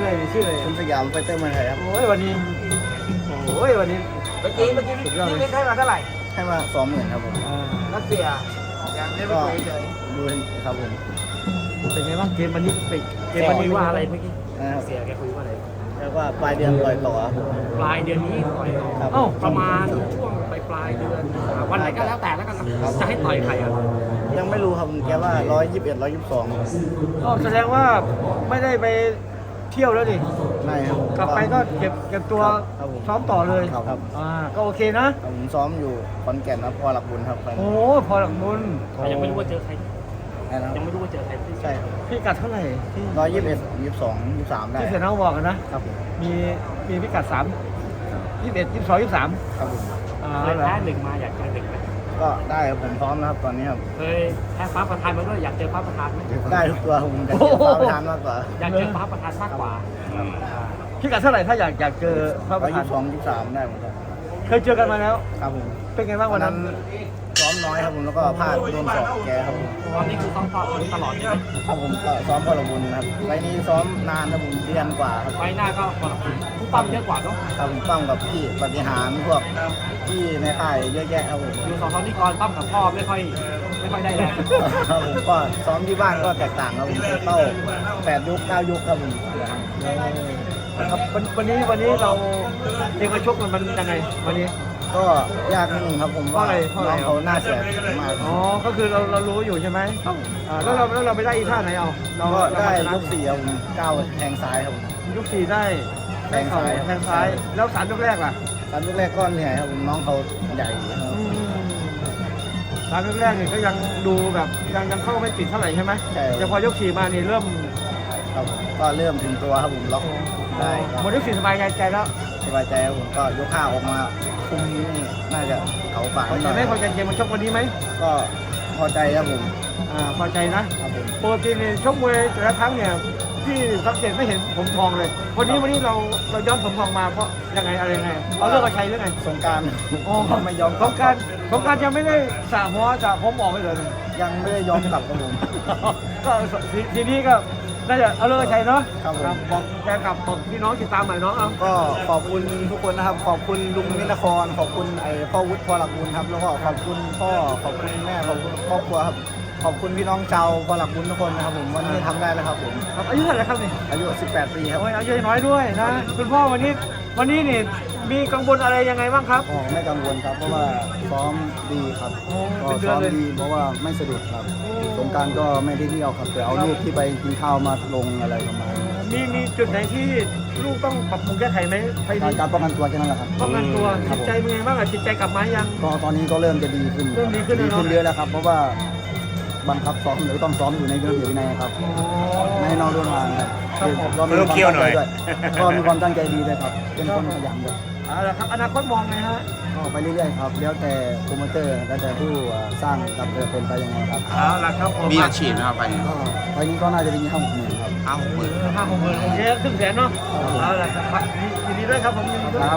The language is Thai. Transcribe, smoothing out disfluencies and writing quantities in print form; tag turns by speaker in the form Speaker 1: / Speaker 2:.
Speaker 1: นี่ชื่ออะไร
Speaker 2: คุณสยามไฟเตอร์เมืองไทยครับ
Speaker 1: โอ้ยวันนี้
Speaker 3: เมื่อกี้พี่เล่นให้มาเท่าไหร่
Speaker 2: ให้มา20,000ครับผม
Speaker 3: รัสเซียยังไม่ได้ไปคุยเฉย
Speaker 2: ดูครับผม
Speaker 1: เป็นไงบ้างเกมวันนี้เกมวันนี้ว่าอะไรเมื่อกี้
Speaker 2: นะครับ
Speaker 3: เสียแกคุยว่าอะไร
Speaker 2: แล้วก็ปลายเดือนปล่อยต่อครับผม
Speaker 3: ปลายเดือนนี้ต่อยต่อ
Speaker 2: ครับ
Speaker 1: เอ้า
Speaker 3: ประมาณช่วงปลายเดือนวันไหนก็แล้วแต่แล้วกันนะจะให้ต่อยใครอ่ะ
Speaker 2: ยังไม่รู้ครับแกว่า121 122
Speaker 1: ก็แสดงว่าไม่ได้ไปเที่ยวแล้วดิ
Speaker 2: ไม่ครับ
Speaker 1: กลับไปก็เก็บตัว
Speaker 2: ครับผม
Speaker 1: ซ้อมต่อเลย
Speaker 2: ครับ
Speaker 1: ก็โอเคนะ
Speaker 2: ผมซ้อมอยู่ขอนแก่นครับพอหลักบุญครับ
Speaker 1: โอ้พอหลักมุน
Speaker 3: ยังไม่รู้ว่าเจอใคร
Speaker 2: นะครับ
Speaker 3: ยังไม่รู้ว่าเจอใคร
Speaker 2: ใช่ครับ
Speaker 1: พี่กัดเท่าไหร่ที่
Speaker 2: 121 22 23ได้
Speaker 1: ที่เสียน้องบอกกันนะครับ
Speaker 2: ผม
Speaker 1: มีพิกัด21 22 23
Speaker 2: ครับผม
Speaker 3: เคยแพ้หนึ่งมาอยากเจอหนึ่งไหม
Speaker 2: ก็ได้ครับผมพร้อมนะครับตอนนี้ครับ
Speaker 3: เคยแพ้ฟ้าประธานมาด้วยอยากเจอฟ้าประธานไหม
Speaker 2: ได้ทุกตัวผมจะเก็บฟ้าประธานมากกว่า
Speaker 3: อยากเจอฟ้าประธานมากกว่า
Speaker 1: พิกัดเท่าไหร่ถ้าอยากเจอพระประธาน
Speaker 2: 122 23ได้หมดครับ
Speaker 1: เคยเจอกันมาแล้ว
Speaker 2: ครับผม
Speaker 1: เป็นไงบ้างวันนั้น
Speaker 2: ซ้อมน้อยครับผมแล้วก็พลาดโดนสอบแกครับผม
Speaker 3: ตอนนี้คือต้องต่อตลอดใช่ไหม
Speaker 2: ครับผมก็ซ้อมพอหลักบุญครับไฟล์นี้ซ้อมนานครับผมเดือนกว่าครับ
Speaker 3: ไฟหน้าก็ปกติผู้ปั้มเยอะกว่าเนาะ
Speaker 2: ครับผมปั้มกับพี่ปฏิหารพวกพี่ในค่ายเยอะแยะครับผม
Speaker 3: อยู่สองตอนนี้ก่อนปั้มกับพ่อไม่ค่อยได้แรง
Speaker 2: ครับผมก็ซ้อมที่บ้านก็แตกต่างครับผมเต้า8 ยุค 9 ยุคครับผม
Speaker 1: ครับวันนี้เราเองมาชกมันยังไงวันนี้
Speaker 2: ก็ยากนิดนึงครับผมว่า
Speaker 1: เพราะอะไร
Speaker 2: น้องเขาหน้าเสียมาก
Speaker 1: อ๋อก็คือเรารู้อยู่ใช่ไหมแล้วเราไปได้อีท่าไหนเอาเรา
Speaker 2: ก็ได้
Speaker 1: ชนะ
Speaker 2: ยก4ครับผม9แทงซ้ายครับผม
Speaker 1: ยก4ได้เข่าแทงซ้ายแล้ว3ยกแรกล่ะ
Speaker 2: ตอนยกแรกก็เหนื่อยครับผมน้องเขาใหญ่ครับ
Speaker 1: สามยกแรกเนี่ยก็ยังดูแบบยังเข้าไม่ติดเท่าไหร่ใช่ไหมแต่พอยก4มานี่เริ่ม
Speaker 2: ครับผมก็เริ่มถึงตัวครับผมล็อกได้ค
Speaker 1: หม
Speaker 2: รั
Speaker 1: ด
Speaker 2: บ
Speaker 1: ยก4สบายใจแล้ว
Speaker 2: สบายใจครับผมก็ยก5ออกมาคุมนี่น่าจะเขาฝาก
Speaker 1: พอใจไหมพอใจเกมมันชกวันนี้ไหม
Speaker 2: ก็พอใจครับผม
Speaker 1: พอใจนะครับ
Speaker 2: ผม
Speaker 1: ปกติเนี่ยชกมวยแต่ละครั้งเนี่ยพี่สังเกตไม่เห็นผมทองเลย วันนี้เราย้อนผมทองมาเพราะยังไงอะไรยังไงเอาเรื่องมาใช้เรื่องไง
Speaker 2: สงกราร
Speaker 1: อ๋อ
Speaker 2: ไม่ยอม
Speaker 1: สงกรารยังไม่ได้สระหัวสระผมออกไปเลย
Speaker 2: ยังไม่ได้ยอมกลับครับผม
Speaker 1: ก็ทีนี้ก็น่าจะเอาเรื่องมาใช้เนาะ
Speaker 2: ครับผม
Speaker 1: บอกแฟนคลับบอกพี่น้องติดตามหน่อยน้องเอา
Speaker 2: ก็ขอบคุณทุกคนนะครับ ขอบคุณลุงนินครขอบคุณพ่อวุฒิพ่อหลักบุญครับแล้วก็ขอบคุณพ่อขอบคุณแม่ขอบคุณครอบครัวครับขอบคุณพี่น้องชาวพ่อหลักบุญทุกคนนะครับผมวันนี้ทำได้แล้วครับผม
Speaker 1: ครับอายุเท่าไหร่ครับนี่
Speaker 2: อายุ 18 ปีครับ
Speaker 1: โอ้ยอายุน้อยด้วยนะคุณพ่อวันนี้นี่มีกังวลอะไรยังไงบ้างครับ
Speaker 2: อ๋อไม่กังวลครับเพราะว่าซ้อมดีครับ
Speaker 1: โอ้
Speaker 2: ก็
Speaker 1: เป็นเดือ
Speaker 2: ซ้อน ม
Speaker 1: เลย
Speaker 2: ดีเพราะว่าไม่สะดุดครับ
Speaker 1: โอ้
Speaker 2: สงกรารก็ไม่ได้เที่ยวครับแต่เอารูปที่ไปกินข้าวมาลงอะไรประมาณนี้
Speaker 1: มีจุดไหนที่ลูกต้องปรับปรุงแก้ไขไหมไป
Speaker 2: การป้องกันตัวแค่นั้นแหละครับ
Speaker 1: ป้องกันตัว
Speaker 2: ครั
Speaker 1: จิ
Speaker 2: บ
Speaker 1: ตใจเป็นไงบ้างอะจิตใจกลับมายัง
Speaker 2: ก็ตอนนี้ก็เริ่มจะดีขึ้น
Speaker 1: เริ่มดีขึ้นแล้วเนอะ
Speaker 2: เยอะแล้วครับ เพราะว่าบังคับซ้อมหรือต้องซ้อมอยู่ในระเบียบวินัยครับไม่ให้นอกเรื่องงานครับ
Speaker 1: ครับผม
Speaker 2: ก็มีความตั้งใจด้วยก็มีความตั้งใจดีด้วยครับเป็นคนขยันด้วย
Speaker 1: เอาละครับอนาคตมองไงฮะ
Speaker 2: ก็ไปเรื่อยๆครับแล้วแต่โปรโมเตอร์แล้วแต่ผู้สร้างกับเรือเป็นไปยังไงครับ
Speaker 1: เอาละครับผม
Speaker 4: มีอาชีพนะครับไป
Speaker 2: ก็ไปนี้ก็น่าจะเป็น50,000ครับ
Speaker 4: 50,000
Speaker 1: 5-6 หมื่นโอเคครึ่งแสนเนาะเอาละครับยินดีด้วยครับผมยินดีด้วย